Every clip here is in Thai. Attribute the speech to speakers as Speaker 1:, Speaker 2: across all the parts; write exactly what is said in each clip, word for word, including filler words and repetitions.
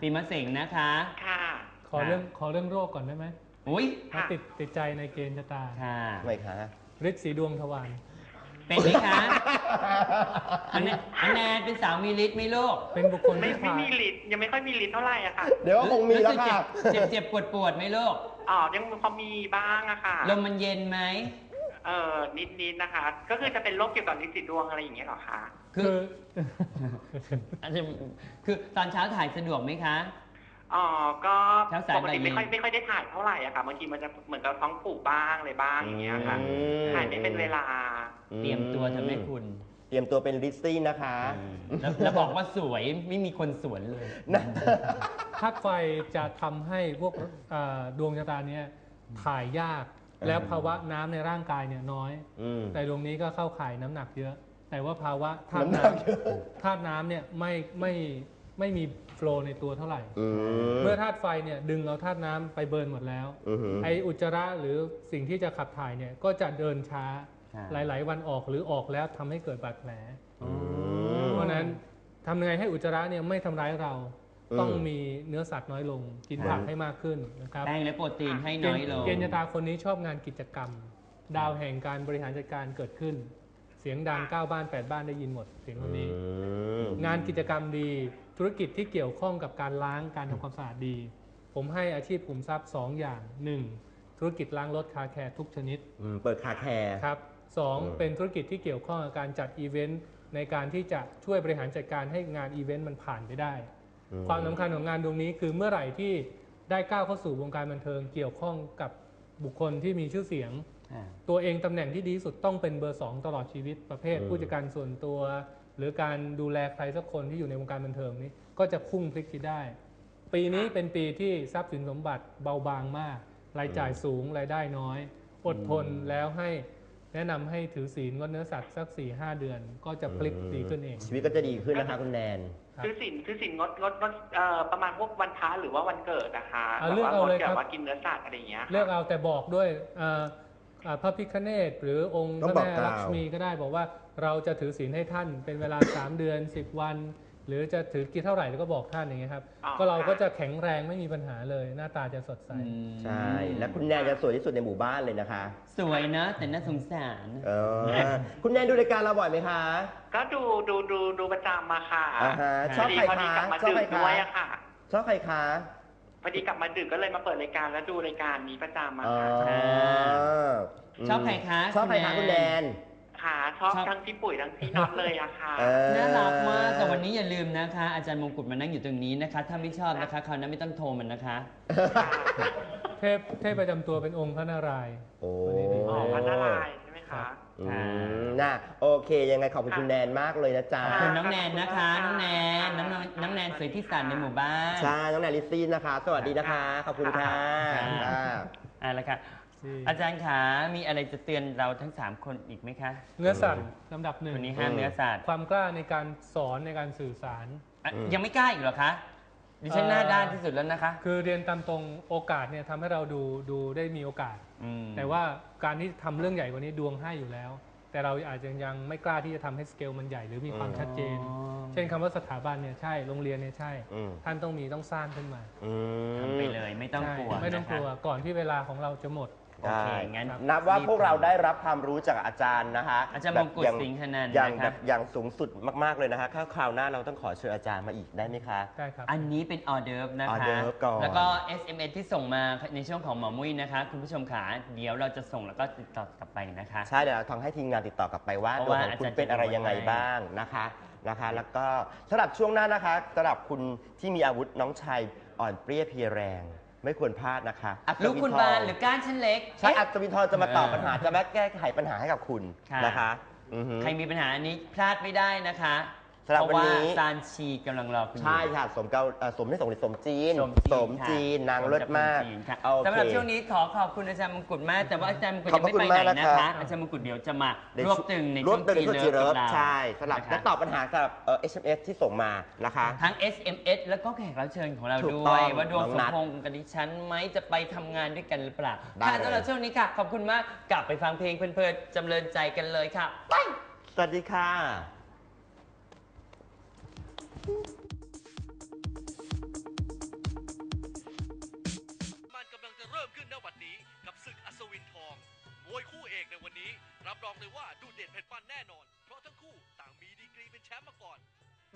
Speaker 1: ปีมะเสงนะคะ
Speaker 2: ค่ะ
Speaker 3: ขอเรื่องขอเรื่องโรคก่อนได้ไหม
Speaker 1: อุ้ย
Speaker 3: ติดติดใจในเกณฑ์ชะตา
Speaker 1: ค่ะ
Speaker 4: ไม่คะ
Speaker 3: ฤทธิ์สีดวงทวาร
Speaker 1: เป็นไหมคะอันแนนเป็นสาวมีฤทธิ์ไหมลูก
Speaker 3: เป็นบุคคล
Speaker 2: ไม่ไม่มีฤทธิ์ยังไม่ค่อยมีฤทธิ์เท่าไหร่อะค่ะ
Speaker 4: เดี๋ยวคงมีแล้วค่ะ
Speaker 1: เจ็บเจ็บปวดปวดไหมลูก
Speaker 2: อ๋อยังพอมีบ้างอะค่ะ
Speaker 1: ลมมันเย็นไหม
Speaker 2: เออนิดนิดนะคะก็คือจะเป็นโรคเกี่ยวกับฤทธิ์สีดวงอะไรอย่างเงี้ยหรอคะ
Speaker 1: คืออาจจะคือตอนเช้าถ่ายสะดวกไหมคะ
Speaker 2: อ๋อก็ปกติไม่ค่อยไม่ค่อยได้ถ่ายเท่าไหร่อะค่ะบางทีมันจะเหมือนกับท้องผูกบ้างอะไรบ้างอย่างเงี้ยค่ะถ่ายไม่เป็นเวลา
Speaker 1: เตรียมตัวทำให้คุณ
Speaker 4: เตรียมตัวเป็นลิซซี่นะคะ
Speaker 1: แล้วบอกว่าสวยไม่มีคนสวนเลย
Speaker 3: ธาตุไฟจะทำให้พวกดวงชะตาเนี้ยถ่ายยากแล้วภาวะน้ำในร่างกายเนี่ยน้อยแต่ดวงนี้ก็เข้าข่ายน้ำหนักเยอะแต่ว่าภาวะธาตุน้ำธาตุน้ำเนี่ยไม่ไม่ไม่มีโฟลว์ในตัวเท่าไหร่เมื่อธาตุไฟเนี่ยดึงเอาธาตุน้ำไปเบิร์นหมดแล้วไออุจจาระหรือสิ่งที่จะขับถ่ายเนี่ยก็จะเดินช้าหลายๆวันออกหรือออกแล้วทำให้เกิดบาดแผลเพราะนั้นทำยังไงให้อุจจาระเนี่ยไม่ทำร้ายเราต้องมีเนื้อสัตว์น้อยลงกินผักให้มากขึ้นนะครับ
Speaker 1: แป้งและโปรตีนให้น้อยลง
Speaker 3: เกณฑ์ชะตาคนนี้ชอบงานกิจกรรมดาวแห่งการบริหารจัดการเกิดขึ้นเสียงดังเก้าบ้านแปดบ้านได้ยินหมดเสียงคนนี้งานกิจกรรมดีธุรกิจที่เกี่ยวข้องกับการล้างการทำความสะอาดดีผมให้อาชีพขุมทรัพย์สองอย่างหนึ่งธุรกิจล้างรถคาแคร์ทุกชนิด
Speaker 4: เปิดคาแคร์
Speaker 3: ครับสองเป็นธุรกิจที่เกี่ยวข้องกับการจัดอีเวนต์ในการที่จะช่วยบริหารจัดการให้งานอีเวนต์มันผ่านไปได้ความสำคัญของงานดวงนี้คือเมื่อไหร่ที่ได้ก้าวเข้าสู่วงการบันเทิงเกี่ยวข้องกับบุคคลที่มีชื่อเสียงตัวเองตำแหน่งที่ดีที่สุดต้องเป็นเบอร์สองตลอดชีวิตประเภทผู้จัดการส่วนตัวหรือการดูแลใครสักคนที่อยู่ในวงการบันเทิงนี้ก็จะพุ่งพลิกที่ได้ปีนี้เป็นปีที่ทรัพย์สินสมบัติเบาบางมากรายจ่ายสูงรายได้น้อยอดทนแล้วให้แนะนำให้ถือศีลงดเนื้อสัตว์สัก สี่ห้า เดือนก็จะพลิกดีขึ้นเอง
Speaker 4: ชีวิตก็จะดีขึ้นนะคะคุณแนน
Speaker 2: ถือศีลถือศีลงดงดงดประมาณพวกวันพระหรือว่าวันเกิดนะคะ
Speaker 3: เลือกเอาเลยครับ
Speaker 2: ว่ากินเนื้อสัตว์อะไรอย่างเงี้ย
Speaker 3: เลือกเอาแต่บอกด้วยพระพิฆเนศหรือองค์พระแม่ลักษมีก็ได้บอกว่าเราจะถือศีลให้ท่านเป็นเวลาสามเดือนสิบวันหรือจะถือกี่เท่าไหร่แล้วก็บอกท่านอย่างเงี้ยครับก็เราก็จะแข็งแรงไม่มีปัญหาเลยหน้าตาจะสดใส
Speaker 4: ใช่และคุณแนนจะสวยที่สุดในหมู่บ้านเลยนะคะ
Speaker 1: สวยนะแต่น่าสงสาร
Speaker 4: คุณแนนดูรายการเราบ่อยไหมคะ
Speaker 2: ก็ดูดูดูดูประจำมาค่ะ
Speaker 4: ชอบใครคะ
Speaker 2: ชอบใครด้วยอะค่ะ
Speaker 4: ชอบใครคะ
Speaker 2: พอดีกลับมาดึกก็เลยมาเปิดรายการแล้วดูรายการนี้ประจำมาค่ะ
Speaker 1: ชอบใครคะ
Speaker 4: ชอบใครคะคุณแนน
Speaker 2: ค่ะชอบทั้งพี่ปุ๋ยทั้งพี่น็อตเลยอะค่ะ
Speaker 1: น่ารักมากแต่วันนี้อย่าลืมนะคะอาจารย์มงกุฎมานั่งอยู่ตรงนี้นะคะถ้าไม่ชอบนะคะคราวนั้นไม่ต้องโทรมันนะคะ
Speaker 3: เทพเทพประจำตัวเป็นองค์พระนารายณ์
Speaker 4: โอ้
Speaker 2: พระนารายณ์ใช่ไหมคะ
Speaker 4: น่ะโอเคยังไงขอบคุณคุณแนนมากเลยนะจ๊ะ
Speaker 1: ขอบคุณน้องแนนนะคะน้องแนนน้องน้องแนนสวยที่สุดในหมู่บ้าน
Speaker 4: ใช่น้องแนนลิซซี่นะคะสวัสดีนะคะขอบคุณค่ะ
Speaker 1: อ่าแล้วค่ะอาจารย์ขามีอะไรจะเตือนเราทั้งสามคนอีกไหมคะ
Speaker 3: เนื้อสัตว์ลำดับหนึ่ง
Speaker 1: วันนี้ห้ามเนื้อสัตว์
Speaker 3: ความกล้าในการสอนในการสื่อสาร
Speaker 1: ยังไม่กล้าอีกเหรอคะดิฉันหน้าด้านที่สุดแล้วนะคะ
Speaker 3: คือเรียนตามตรงโอกาสเนี่ยทำให้เราดูดูได้มีโอกาสแต่ว่าการที่ทำเรื่องใหญ่กว่านี้ดวงให้อยู่แล้วแต่เราอาจจะยังไม่กล้าที่จะทำให้สเกลมันใหญ่หรือมีความชัดเจนเช่นคำว่าสถาบันเนี่ยใช่โรงเรียนเนี่ยใช่ท่านต้องมีต้องสร้างขึ้นมา
Speaker 1: ทำไปเลยไม่ต้องกลัว
Speaker 3: ไม่ต้องกลัวก่อนที่เวลาของเราจะหมด
Speaker 4: ใช่นับว่าพวกเราได้รับความรู้จากอาจารย์นะคะ
Speaker 1: อาจารย์มงกุฎสิงห์ธนันท์
Speaker 4: อย่างแบบอย่างสูงสุดมากๆเลยนะคะถ้าคราวหน้าเราต้องขอเชิญอาจารย์มาอีกได้ไหมคะ
Speaker 3: ได้ครับ
Speaker 1: อันนี้เป็นออเดิร์ฟนะคะแล้วก็ เอส เอ็ม เอส ที่ส่งมาในช่วงของหมอมุ้ยนะคะคุณผู้ชมขาเดี๋ยวเราจะส่งแล้วก็ติดต่อกลับไปนะคะ
Speaker 4: ใช่เดี๋ยวทางให้ทีมงานติดต่อกลับไปว่าตัวของคุณเป็นอะไรยังไงบ้างนะคะนะคะแล้วก็สำหรับช่วงหน้านะคะสำหรับคุณที่มีอาวุธน้องชายอ่อนเปรี้ยเพรียแรงไม่ควรพลาดนะคะ
Speaker 1: ลูกคุณบานหรือก้านชั้นเล็ก
Speaker 4: ใช่อัศวินทรจะมาตอบปัญหาจะมาแก้ไขปัญหาให้กับคุณนะคะ
Speaker 1: ใครมีปัญหาอันนี้พลาดไม่ได้นะคะเพราะว่าซานชีกำลังรอคุณ
Speaker 4: ใช่ค่ะสมเกาสมไม่สมสมจีนสมจีนนางเลิศมาก
Speaker 1: สำหรับช่วงนี้ขอขอบคุณอาจารย์มงกุฎมากแต่ว่าอาจารย์มงกุฎยังไม่ไปไหนนะคะอาจารย์มงกุฎเดี๋ยวจะมารวบตึงในช่วงจีนเลิฟ
Speaker 4: ใช่สำหรับและตอบปัญหาสำหรับเออ เอส เอ็ม เอส ที่ส่งมานะคะ
Speaker 1: ทั้ง เอส เอ็ม เอส แล้วก็แขกรับเชิญของเราด้วยว่าดวงสมพงษ์กับดิฉันไหมจะไปทำงานด้วยกันหรือเปล่าค่ะสำหรับช่วงนี้ค่ะขอบคุณมากกลับไปฟังเพลงเพลินๆจำเริญใจกันเลยค่ะไป
Speaker 4: สวัสดีค่ะ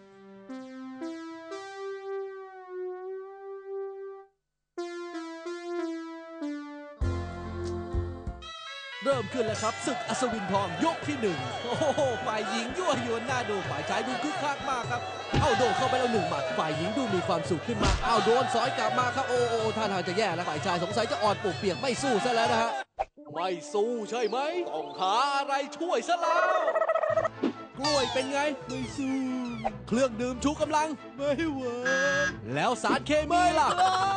Speaker 5: เริ่มขึ้นแล้วครับศึกอัศวินทองยกที่หนึ่งโอ้โหฝ่ายหญิงยั่วยวนหน้าดูฝ่ายชายดูคึกคักมากครับเอาโดนเข้าไปแล้วหนึ่งหมัดฝ่ายหญิงดูมีความสุขขึ้นมาเอาโดนสอยกลับมาครับโอ้โหท่าทางจะแย่แล้วฝ่ายชายสงสัยจะอ่อนปวกเปียกไม่สู้ซะแล้วนะฮะไม่สู้ใช่ไหมต้องหาอะไรช่วยซะแล้วกล้วยเป็นไงไม่สู้เครื่องดื่มชูกำลังไม่เวิร์กแล้วสารเคมีล่ะ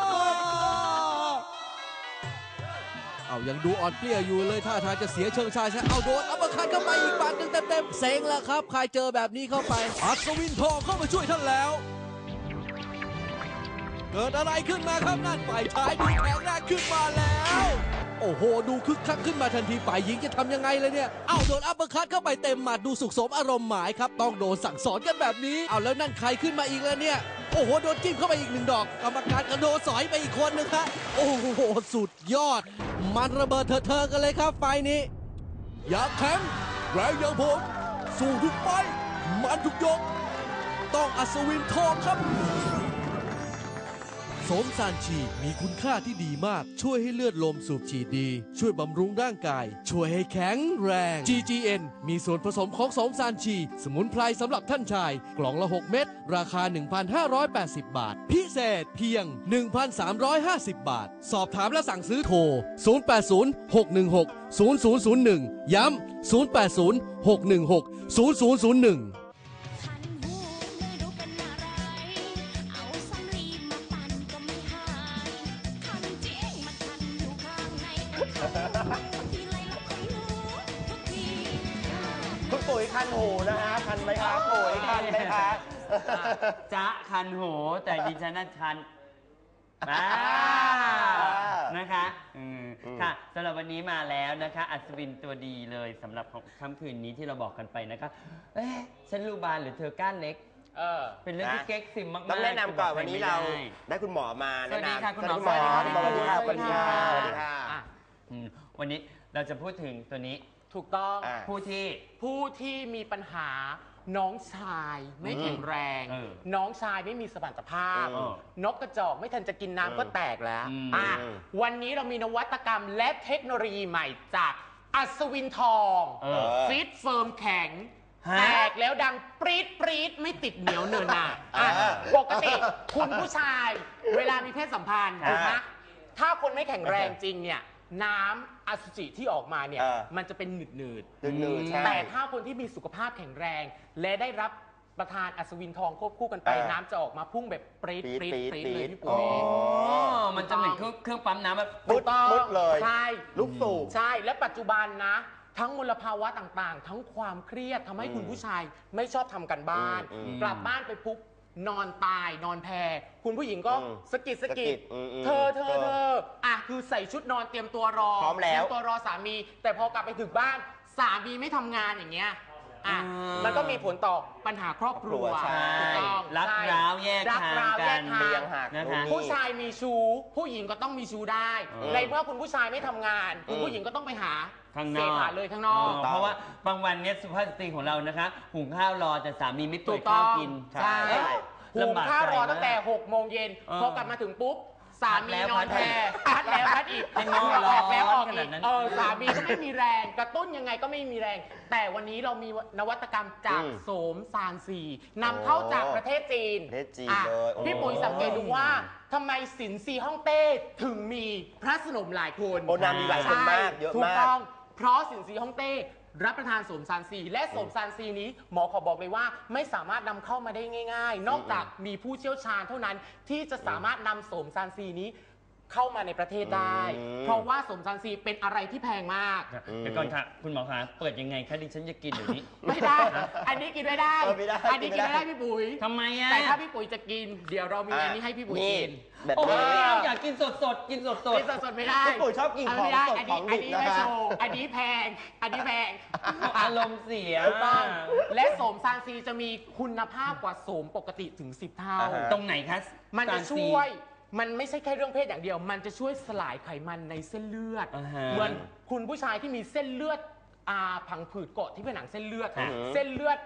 Speaker 5: เอายังดูอ่อนเปลี้ยอยู่เลยท่าทางจะเสียเชิงชายใช่เอาโดนอัปเปอร์คัตเข้าไปอีกบาทหนึ่งเต็มๆเซ็งแล้วครับใครเจอแบบนี้เข้าไปอัศวินทองเข้ามาช่วยท่านแล้วเกิดอะไรขึ้นมาครับนั่นฝ่ายชายดูแข็งแรงขึ้นมาแล้วโอ้โหดูคึกคักขึ้นมาทันทีฝ่ายหญิงจะทำยังไงเลยเนี่ยเอาโดนอัปเปอร์คัตเข้าไปเต็มหมัดดูสุขสมอารมณ์หมายครับต้องโดนสั่งสอนกันแบบนี้เอาแล้วนั่นใครขึ้นมาอีกแล้วเนี่ยโอ้โหโดนจิ้มเข้าไปอีกหนึ่งดอกกรรมการกระโดดสอยไปอีกคนนึงครับโอ้โหสุดยอดมันระเบิดเถอะๆกันเลยครับไฟนี้อยากแข็งแรงอย่างผมสู้ทุกไฟมันทุกยกต้องอัศวินทองครับโสมซานชีมีคุณค่าที่ดีมากช่วยให้เลือดลมสูบฉีดดีช่วยบำรุงร่างกายช่วยให้แข็งแรง จี จี เอ็น มีส่วนผสมของโสมซานชีสมุนไพรสำหรับท่านชายกล่องละหกเม็ดราคา หนึ่งพันห้าร้อยแปดสิบ บาทพิเศษเพียง หนึ่งพันสามร้อยห้าสิบ บาทสอบถามและสั่งซื้อโทรศูนย์ แปด ศูนย์ หก หนึ่ง หก ศูนย์ ศูนย์ ศูนย์ หนึ่งย้ำศูนย์ แปด ศูนย์ หก หนึ่ง หก ศูนย์ ศูนย์ ศูนย์ หนึ่ง
Speaker 4: คุณปุ๋ยคันหูนะฮะคันไหมครับปุ๋ยคันไหมคะ
Speaker 1: จ๊ะคันโหแต่ดิฉันน่ะคันอ่านะคะอืมค่ะสำหรับวันนี้มาแล้วนะคะอัศวินตัวดีเลยสำหรับของค่ำคืนนี้ที่เราบอกกันไปนะคะเอ๊ะฉันรูบานหรือเธอก้านเล็กเออเป็นเรื่องที่เก๊กซิมมากๆ
Speaker 4: ต้องแนะนำก่อนวันนี้เราได้คุณหมอมา
Speaker 1: สวัสดีค่ะคุณหมอ
Speaker 4: สวัสดีค่ะสวัสดีค่ะสวัสดีค่ะสวัสดีค่ะ
Speaker 1: วันนี้เราจะพูดถึงตัวนี้
Speaker 6: ถูกต้อง
Speaker 1: ผู้ที่
Speaker 6: ผู้ที่มีปัญหาน้องชายไม่แข็งแรงน้องชายไม่มีสมรรถภาพนกกระจอกไม่ทันจะกินน้ำก็แตกแล้วอ่ะวันนี้เรามีนวัตกรรมและเทคโนโลยีใหม่จากอัศวินทองฟิตเฟิร์มแข็งแตกแล้วดังปรี๊ดปรี๊ดไม่ติดเหนียวเนินหนาปกติคุณผู้ชายเวลามีเพศสัมพันธ์ถูกไหมถ้าคนไม่แข็งแรงจริงเนี่ยน้ำอสุจิที่ออกมาเนี่ยมันจะเป็นหนืดหนืดแต่ถ้าคนที่มีสุขภาพแข็งแรงและได้รับประทานอัศวินทองควบคู่กันไปน้ำจะออกมาพุ่งแบบปรี๊ดปรี๊ดปรี๊ดเลยพี่ปุ๋ย
Speaker 1: มันจะเหมือนเครื่องปั๊มน้ำแบบ
Speaker 4: ปุ๊บปุ๊บเลย
Speaker 6: ใช่
Speaker 4: ลูกสูบ
Speaker 6: ใช่และปัจจุบันนะทั้งมลภาวะต่างๆทั้งความเครียดทำให้คุณผู้ชายไม่ชอบทำกันบ้านกลับบ้านไปปุ๊บนอนตายนอนแพรคุณผู้หญิงก็สกิดสกิดเธอเธอเธออ่ะคือใส่ชุดนอนเตรียมตัวรอ
Speaker 4: พร้อมแล้ว
Speaker 6: เตรียมตัวรอสามีแต่พอกลับไปถึงบ้านสามีไม่ทำงานอย่างเงี้ยอ่ะมันก็มีผลต่อปัญหาครอบครัว
Speaker 1: ถูกต้องรักร้าวแยกทางกัน
Speaker 6: นะคะผู้ชายมีชู้ผู้หญิงก็ต้องมีชู้ได้ในเมื่อคุณผู้ชายไม่ทำงานคุณผู้หญิงก็ต้องไปหา
Speaker 1: ข้างนอก
Speaker 6: เลยข้างนอก
Speaker 1: เพราะว่าบางวันเนี้ยสุภาพสตรีของเรานะคะหุงข้าวรอแต่สามีไม่เปิดข้าวกิน
Speaker 6: ใช่หุงข้าวรอตั้งแต่หกโมงเย็นพอกลับมาถึงปุ๊บสามีนอนแพรพัดแล้วพัดอีก
Speaker 1: ให้นอน
Speaker 6: ออกแล้วออกอีกเออสามีก็ไม่มีแรงกระตุ้นยังไงก็ไม่มีแรง แต่วันนี้เรามีนวัตกรรมจากโสมซานซีนำเข้าจากประเทศจีน
Speaker 4: ประเทศจีนเลย
Speaker 6: พี่ปุ๋ยสังเกตดูว่าทำไมสินซีฮ่องเต้ถึงมีพระสนมหลายคน
Speaker 4: โอ้นามีหลายคนมากเยอะมากถูกต้อง
Speaker 6: เพราะสินซีฮ่องเต้รับประทานโสมซานซีและโสมซานซีนี้หมอขอบอกเลยว่าไม่สามารถนำเข้ามาได้ง่ายๆนอกจากมีผู้เชี่ยวชาญเท่านั้นที่จะสามารถนำโสมซานซีนี้เข้ามาในประเทศได้เพราะว่าโสมซานซีเป็นอะไรที่แพงมาก
Speaker 1: เดี๋ยวก่อนค่ะคุณหมอคะเปิดยังไงคะดิฉันจะกินเดี๋ยวนี้
Speaker 6: ไม่ได้อันนี้กินไม่ได้อันนี้กินไม่ได้พี่ปุ๋ย
Speaker 1: ทำไมอ่ะ
Speaker 6: แต่ถ้าพี่ปุ๋ยจะกินเดี๋ยวเรามีอันนี้ให้พี่ปุ๋ยกิน
Speaker 1: โอ้ยอยากกินสดสดกินสดสด
Speaker 6: กินสดสดไม่ได้
Speaker 4: พี่ปุ๋ยชอบกินของสดของดิบนะคะ
Speaker 6: อันนี้แพงอันนี้แพง
Speaker 1: อารมณ์เสีย
Speaker 6: และโสมซานซีจะมีคุณภาพกว่าโสมปกติถึงสิบเท่า
Speaker 1: ตรงไหนคะ
Speaker 6: มันจะช่วยมันไม่ใช่แค่เรื่องเพศอย่างเดียวมันจะช่วยสลายไขมันในเส้นเลือดเหมือนคุณผู้ชายที่มีเส้นเลือดผังผืดเกาะที่ผนังเส้นเลือดเส้นเลือด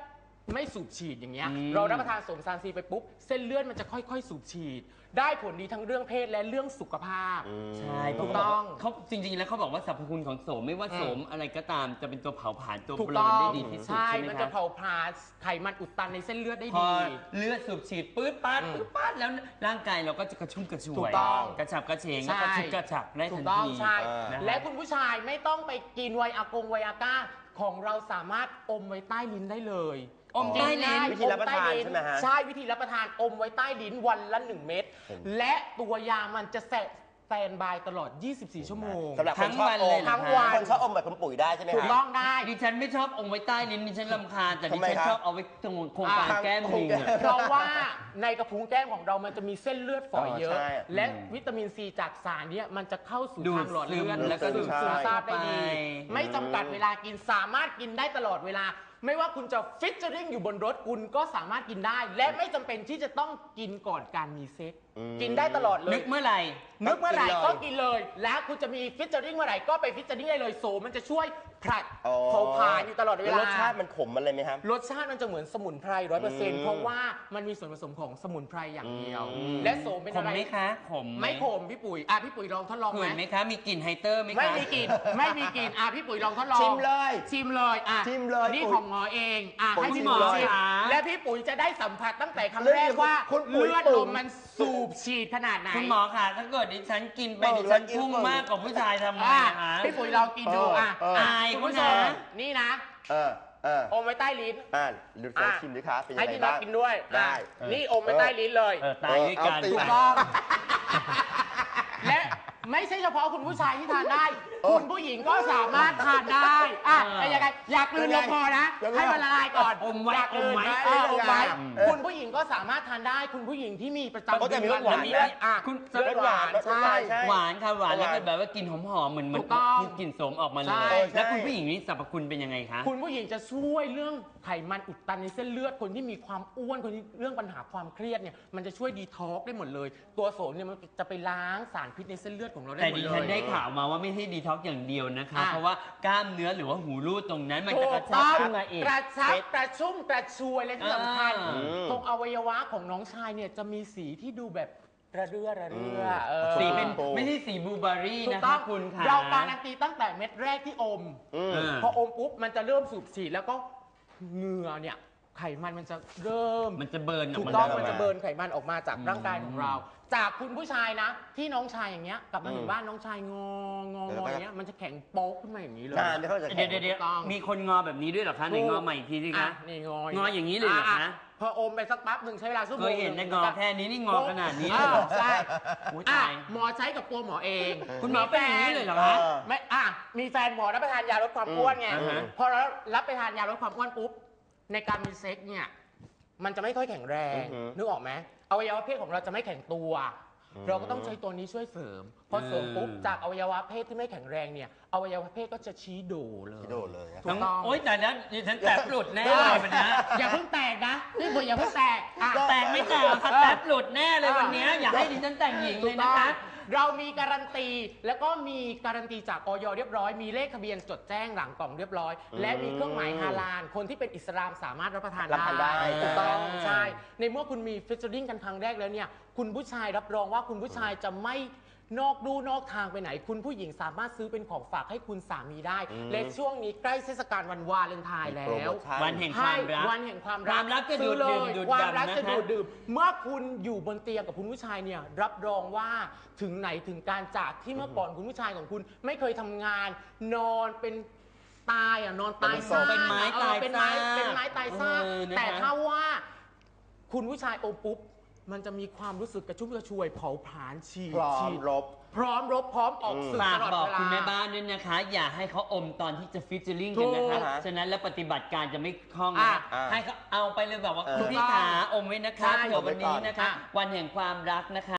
Speaker 6: ไม่สูบฉีดอย่างเงี้ย
Speaker 1: อืม
Speaker 6: เรารับประทานโสมซานซีไปปุ๊บเส้นเลือดมันจะค่อยๆสูบฉีด ได้ผลดีทั้งเรื่องเพศและเรื่องสุขภาพ
Speaker 1: ใช่
Speaker 6: ถูกต้อง
Speaker 1: เขาจริงๆแล้วเขาบอกว่าสรรพคุณของโสมไม่ว่าโสมอะไรก็ตามจะเป็นตัวเผาผลาญตัว
Speaker 6: ถูก
Speaker 1: เบล
Speaker 6: ต้
Speaker 1: อ
Speaker 6: อง
Speaker 1: ได้ดีที่สุด
Speaker 6: ใช่
Speaker 1: ใช่ไหม
Speaker 6: มัน
Speaker 1: ค
Speaker 6: จะ
Speaker 1: รับ
Speaker 6: เผาผลาญไขมันอุดตันในเส้นเลือดได้
Speaker 1: พอ
Speaker 6: ดี
Speaker 1: เลือดสูบฉีดปื๊ดป๊าด
Speaker 6: อืม
Speaker 1: ปื๊ดป๊าดแล้วร่างกายเราก็จะกระชุ่มกระชวย
Speaker 6: ถูกต้อง
Speaker 1: กระฉับกระเฉง
Speaker 6: ใช่
Speaker 1: กระชุบกระฉับได้
Speaker 6: ถู
Speaker 1: ทั
Speaker 6: ก
Speaker 1: น
Speaker 6: ต้อง
Speaker 1: ที
Speaker 6: ใช่
Speaker 1: นะฮะ
Speaker 6: และคุณผู้ชายไม่ต้องไปกินไวอากงไวอาก้าของเราสามารถอมไว้ใต้ลิ้นได้เลย
Speaker 1: อมใต้ลิ้น
Speaker 4: วิธีรับประทานใช่ไหมฮะ
Speaker 6: ใช่วิธีรับประทานอมไว้ใต้ลิ้นวันละหนึ่งเม็ดและตัวยามันจะแสแตนบายตลอด ยี่สิบสี่ ชั่วโมง
Speaker 4: สำหรับคนชอบ
Speaker 1: ทั้งวัน
Speaker 4: อ
Speaker 1: เลย
Speaker 4: ม
Speaker 1: เหรอ
Speaker 6: ทั้งวัน
Speaker 4: คนชอบอมแบบคุณปุ๋ยได้ใช่ไหม
Speaker 6: ถูก
Speaker 4: ฮะ
Speaker 6: ต้องได้
Speaker 1: ดิฉันไม่ชอบองค์ไว้ใต้ลิ้นดิฉันรำคาญแต่ดิ
Speaker 4: ทำไม
Speaker 1: ฉัน
Speaker 4: ครับ
Speaker 1: ชอบเอาไว้ตรงโครงการ
Speaker 6: อ่า
Speaker 1: แก้มลิงอะ
Speaker 6: เพราะว่าในกระพุ้งแก้มของเรามันจะมีเส้นเลือดฝอยเยอะ
Speaker 4: อ๋อใช่
Speaker 6: และวิตามินซีจากสารเนี้ยมันจะเข้าสู่
Speaker 1: ดูด
Speaker 6: ทางหลอดเลือด
Speaker 1: ซึม
Speaker 6: แล้วก็
Speaker 4: ดู
Speaker 6: ดู
Speaker 4: ด
Speaker 6: ด
Speaker 4: ซึ
Speaker 6: ซึ
Speaker 4: ม
Speaker 6: มซาบได้ดี
Speaker 1: ไป
Speaker 6: ไม่จำกัดเวลากินสามารถกินได้ตลอดเวลา ไม่ว่าคุณจะฟิชเจอริงอยู่บนรถคุณก็สามารถกินได้ และไม่จำเป็นที่จะต้องกินก่อนการมีเซ็กซ์กินได้ตลอดเล
Speaker 1: นึ
Speaker 6: ย
Speaker 1: กเมื่อไหร่
Speaker 6: นึกเมื่อไหร่
Speaker 4: กินเลย
Speaker 6: ก็กินเลย แล้วคุณจะมีฟิชเจอริงเมื่อไหร่ก็ไปฟิชเจอริงได้เลยโซมันจะช่วยผลัด
Speaker 4: อ๋อ
Speaker 6: เผาผลาญอยู่ตลอดเว
Speaker 4: แล้
Speaker 6: ลา
Speaker 4: รสชาติมันขมมันเลยไหมครับ
Speaker 6: รสชาติมันจะเหมือนสมุนไพรร้อยเปอร์เซ็นต์
Speaker 4: อืม
Speaker 6: เพราะว่ามันมีส่วนผสมของสมุนไพรอย่างเดียว
Speaker 4: อืม
Speaker 6: และโสมเป็น
Speaker 1: ข
Speaker 6: อะ
Speaker 1: ม
Speaker 6: ไร
Speaker 1: ไหมคะขมห
Speaker 6: ไม่ขมพี่ปุ๋ยอ่ะพี่ปุ๋ยลองทดลอง
Speaker 1: ขื
Speaker 6: ไหม
Speaker 1: นไหมคะ มีกลิ่นไฮเตอร์ไหมคะ
Speaker 6: ไม่มีกลิ่นไม่มีกลิ่นอ่ะพี่ปุ๋ยลองทดลอง
Speaker 4: ชิมเลย
Speaker 6: ชิมเลยอ่ะ
Speaker 4: ชิมเลย
Speaker 6: นี่
Speaker 4: ปุ๋ย
Speaker 6: ของหมอเองอ่ะ
Speaker 4: ปุ๋ย
Speaker 6: ให้พี่
Speaker 4: ชิ
Speaker 6: ห
Speaker 4: ม
Speaker 6: มอ
Speaker 4: เลย
Speaker 6: ชิมและพี่ปุ๋ยจะได้สัมผัสตั้งแต่คำ
Speaker 4: เรื่อง
Speaker 6: แรกว่า
Speaker 4: คุณปุ๋ย
Speaker 6: เลือด
Speaker 4: ปุ๋
Speaker 6: ล
Speaker 4: ย
Speaker 6: มมันสูบฉีดขนาดไหน
Speaker 1: คุณหมอค่ะถ้าเกิดดิฉันกินไป
Speaker 4: เออ
Speaker 1: ดิฉัน
Speaker 4: แล้วกิน
Speaker 1: พุ่ง
Speaker 4: เปิด
Speaker 1: มากกว่าผู้ชายทำไง
Speaker 6: อ่ะ
Speaker 1: คะ
Speaker 6: พี่ปุ๋ยลองกินดู
Speaker 4: เออ
Speaker 6: อ่ะ
Speaker 4: เออ
Speaker 6: อ่ะ
Speaker 1: อาย
Speaker 6: คุณ
Speaker 1: เขา
Speaker 6: ผู้ช
Speaker 1: นะ
Speaker 6: มนี่นะ
Speaker 4: เออเออ
Speaker 6: อมไว้ใต้ลิ้น
Speaker 4: อ่าดูลองชิมดิคะเป็นยัง
Speaker 6: ให้
Speaker 4: ไง
Speaker 6: พี่น็อ
Speaker 4: บ้า
Speaker 6: ต
Speaker 4: ง
Speaker 6: กินด้วย
Speaker 4: ได้
Speaker 6: อ่ะนี่อมไว้ใต้ลิ้นเลย
Speaker 1: เออตายด้วยกัน
Speaker 4: เออเอาตี
Speaker 6: ถูกต้อง และไม่ใช่เฉพาะคุณผู้ชายที่ทานได้
Speaker 4: เออ
Speaker 6: คุณผู้หญิงก็สามารถทานได้อ่ะ
Speaker 1: เออ
Speaker 6: แต่ยังไงอยากกลืนลงคอนะ
Speaker 4: ยังไง
Speaker 6: ให้มันละลายก่อน
Speaker 1: อมไว้
Speaker 6: อยากกลืน
Speaker 1: อมไว้
Speaker 6: เอออมไว้
Speaker 4: เออ
Speaker 6: คุณผู้หญิงก็สามารถทานได้ คุณผู้หญิงที่มีประจำ
Speaker 4: ก็จะมีรสหวาน
Speaker 6: มี
Speaker 4: และ
Speaker 6: อ่ะ
Speaker 1: คุณ
Speaker 6: รสหวาน
Speaker 4: รสหวาน
Speaker 6: ใช่
Speaker 4: ใช่
Speaker 1: หวานค่ะหวาน
Speaker 4: หวาน
Speaker 1: แล้วเป็นแบบว่ากลิ่นหอมๆเหมือนเหมื
Speaker 6: ถู
Speaker 1: อน
Speaker 6: กต้อง
Speaker 1: กลิ่นโสมออกมาเล
Speaker 6: ใช่
Speaker 1: ย
Speaker 4: ใช่
Speaker 1: แล้วคุณผู้หญิงนี่สรรพคุณเป็นยังไงคะ
Speaker 6: คุณผู้หญิงจะช่วยเรื่องไขมันอุดตันในเส้นเลือดคนที่มีความอ้วนคนที่เรื่องปัญหาความเครียดเนี่ยมันจะช่วยดีท็อกซ์ได้หมดเลย ตัวโสมเนี่ยมันจะไปล้างสารพิษในเส้นเลือดของเราได้
Speaker 1: แต่
Speaker 6: หมด
Speaker 1: ดิ
Speaker 6: เล
Speaker 1: ฉัน
Speaker 6: ย
Speaker 1: ได้ข่าวมาว่าไม่ใช่ดีท็อกซ์อย่างเดียวนะคะ
Speaker 6: อ่ะ
Speaker 1: เพราะว่ากล้ามเนื้อหรือว่าหูรูดตรงนั้นมันจะ
Speaker 6: ถู
Speaker 1: กระ
Speaker 6: ก
Speaker 1: ชับ
Speaker 6: ต้อง
Speaker 1: ขึ้นมาอีก
Speaker 6: กระชับกระชุ่มกระชวยและที่สำคัญ
Speaker 1: อ่า
Speaker 6: ตรงอวัยวะของน้องชายเนี่ยจะมีสีที่ดูแบบระเรื่อระเรื่อเออ
Speaker 1: สีเป็น
Speaker 4: โอ้
Speaker 1: ไม่ใช่สีบลูเบอร์รี่
Speaker 6: ถูก
Speaker 1: นะ
Speaker 6: ต้อ
Speaker 1: คะ
Speaker 6: ง
Speaker 1: คุณค่ะ
Speaker 6: เราการันตีตั้งแต่เม็ดแรกที่อม
Speaker 4: อืม
Speaker 1: เออ
Speaker 6: พออมปุ๊บมันจะเริ่มสูบฉีดแล้วก็เหงื่อเนี่ยไขมันมันจะเริ่ม
Speaker 1: มันจะเบิร์นอ
Speaker 6: ถู
Speaker 1: อก
Speaker 6: ก
Speaker 1: มา
Speaker 6: ต้อง
Speaker 1: ได้
Speaker 6: มันจะเบิร์นไขมันออกมาจาก
Speaker 1: อืม
Speaker 6: ร่างกายของเรา จากคุณผู้ชายนะ ที่น้องชายอย่างเงี้ยกลับมาถึงบ้านน้องชายงององออย่างเงี้ยมันจะแข็งโป๊กขึ้นมาอย่างนี้เลย
Speaker 4: นานไม่เข้าใจ
Speaker 1: เดี๋ยวเดี๋ยวเดี๋ยว
Speaker 6: ถูกต้อง
Speaker 1: มีคนงอแบบนี้ด้วยเหรอคะไหนงอใหม่อีกทีสิ
Speaker 6: อ่ะ
Speaker 1: คะ
Speaker 6: นี่งอ
Speaker 1: งออย่างนี้เลยเหรอคะ
Speaker 6: ะพออมไปสักแป๊บหนึ่งใช้เวลาชั่วโม
Speaker 1: เค
Speaker 6: ง
Speaker 1: ยเห็น
Speaker 6: ง
Speaker 1: แต่งอแค่นี้นี่งอขนาดนี้
Speaker 6: อ่
Speaker 1: เลยเหรอ
Speaker 6: ใช่
Speaker 1: โอ้ย
Speaker 6: อ่ะ
Speaker 1: ตาย
Speaker 6: หมอใช้กับตัวหมอเอง
Speaker 1: คุณหมอเป็นอย่างนี้เลยเหรอ
Speaker 4: เอ
Speaker 1: คะ
Speaker 4: อ
Speaker 6: ไม่อ่ะมีแฟนหมอรับประทานยาลดความอ้วนไง
Speaker 1: อืมอ่าฮะ
Speaker 6: พอเรารับไปทานยาลดความอ้วนปุ๊บในการมีเซ็กซ์เนี่ยมันจะไม่ค่อยแข็งแรง
Speaker 4: อือฮึ
Speaker 6: นึกออกไหมอวัยวะเพศของเราจะไม่แข็งตัว เราก็ต้องใช้ตัวนี้ช่วยเสริมพอเสริมปุ๊บจากอวัยวะเพศที่ไม่แข็งแรงเนี่ยอวัยวะเพศก็จะชี้โดเลย
Speaker 4: ที่โดดเลยนะ
Speaker 6: ถูกต้อง
Speaker 1: โอ๊ยแต่นั้นดิฉันแตบหลุดแน่เลยวันนี้
Speaker 6: อย่าเพิ่งแตกนะนี่บุญอย่าเพิ่งแตกอ่ะ
Speaker 1: แตกไม่แตกหรอกค่ะแตบหลุดแน่เลยวันนี้อย่าให้ดิฉันแต่งหญิงเลยนะคะ
Speaker 6: เรามีการันตีแล้วก็มีการันตีจากออยเรียบร้อย มีเลขทะเบียนจดแจ้งหลังกล่องเรียบร้อย และมีเครื่องหมายฮาลาลคนที่เป็นอิสลามสามารถรับประทาน
Speaker 4: รับประทานได้
Speaker 6: ถูกต้อง
Speaker 1: อ่า
Speaker 6: ใช่ในเมื่อคุณมีฟิชเชอริงกันครั้งแรกแล้วเนี่ยคุณผู้ชายรับรองว่าคุณผู้ชายจะไม่นอกดูนอกทางไปไหน คุณผู้หญิงสามารถซื้อเป็นของฝากให้คุณสามีได้ และช่วงนี้ใกล้เทศกาลวันวาเลนไทน์แล้
Speaker 4: โปร
Speaker 6: ว
Speaker 4: โมชั่น
Speaker 1: วันแห่งความรัก
Speaker 6: วันแห่งความ
Speaker 1: ค
Speaker 6: รั
Speaker 1: วามรักจะดูด
Speaker 6: ซื้อ
Speaker 1: ดื่ม
Speaker 6: เลย
Speaker 1: ดูด
Speaker 6: ความรัก
Speaker 1: ดำ
Speaker 6: จะ
Speaker 1: นะคะ
Speaker 6: ดูดดื่มเมื่อคุณอยู่บนเตียงกับคุณผู้ชายเนี่ยรับรองว่าถึงไหนถึงการจากที่เมื่อก่อนคุณผู้ชายของคุณไม่เคยทำงาน นอนเป็นตายอ่ะนอนตาย
Speaker 4: เป็นศพ
Speaker 1: เป็นไม้
Speaker 6: เออ
Speaker 1: ตาย
Speaker 6: เป็นไม้
Speaker 1: ซาก
Speaker 6: เป็นไม้ตายซาก
Speaker 1: เออนะคะ
Speaker 6: แต่ถ้าว่าคุณผู้ชายอมปุ๊บมันจะมีความรู้สึกกระชุ่มกระชวยเผาผลาญฉีด
Speaker 4: พร้อ
Speaker 6: ฉี
Speaker 4: ม
Speaker 6: ด
Speaker 4: รบ
Speaker 6: พร้อมรบพร้อมออกสื่อ
Speaker 1: ฝาก
Speaker 6: ตลอด
Speaker 1: บอก
Speaker 6: เวลา
Speaker 1: คุณแม่บ้านด้วยนะคะ อย่าให้เขาอมตอนที่จะฟิชเจอริง
Speaker 6: ถู
Speaker 1: กัน
Speaker 6: ก
Speaker 1: นะคะ
Speaker 4: อ่าฮะ
Speaker 1: ฉะนั้นแล้วปฏิบัติการจะไม่คล่องนะ
Speaker 6: อ่า
Speaker 1: คะ
Speaker 4: อ่า
Speaker 1: ให้เขาเอาไปเลยแบบว่า
Speaker 4: เออ
Speaker 1: คุณพี่ขาอมไว้นะคะ
Speaker 6: ใช่
Speaker 1: เผื่อวันนี้นะคะ
Speaker 6: อ่ะ
Speaker 1: วันแห่งความรักนะคะ